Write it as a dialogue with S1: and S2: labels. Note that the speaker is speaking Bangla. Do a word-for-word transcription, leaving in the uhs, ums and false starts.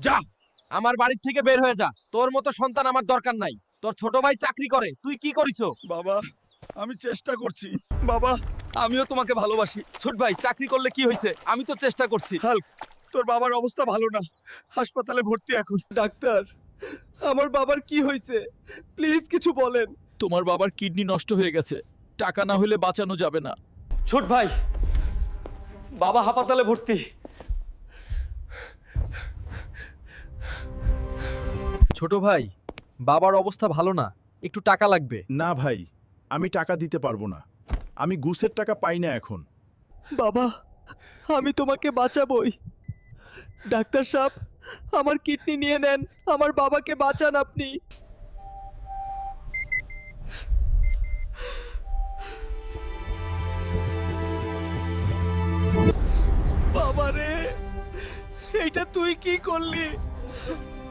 S1: যা আমার বাড়ি থেকে বের হয়ে যা, তোর মতো সন্তান আমার দরকার নাই। তোর ছোট ভাই চাকরি করে, তুই কি করিছো?
S2: বাবা আমি চেষ্টা করছি বাবা।
S1: আমিও তোমাকে ভালোবাসি ছোট ভাই, চাকরি করলে কি হয়েছে, আমি তো চেষ্টা করছি।
S2: হাল্ক, তোর বাবার অবস্থা ভালো না, হাসপাতালে ভর্তি এখন।
S1: ডাক্তার, আমার বাবার কি হয়েছে, প্লিজ কিছু বলেন।
S3: তোমার বাবার কিডনি নষ্ট হয়ে গেছে, টাকা না হলে বাঁচানো যাবে না।
S1: ছোট ভাই, বাবা হাসপাতালে ভর্তি। ছোট ভাই, বাবার অবস্থা ভালো না, একটু টাকা লাগবে।
S4: না ভাই, আমি টাকা দিতে পারবো না, আমি ঘুষের টাকা পাই না এখন।
S1: বাবা, আমি তোমাকে বাঁচাবই। ডাক্তার সাহেব, আমার কিডনি নিয়ে নেন, আমার বাবাকে বাঁচান আপনি। বাবা রে, এইটা তুই কি করলি?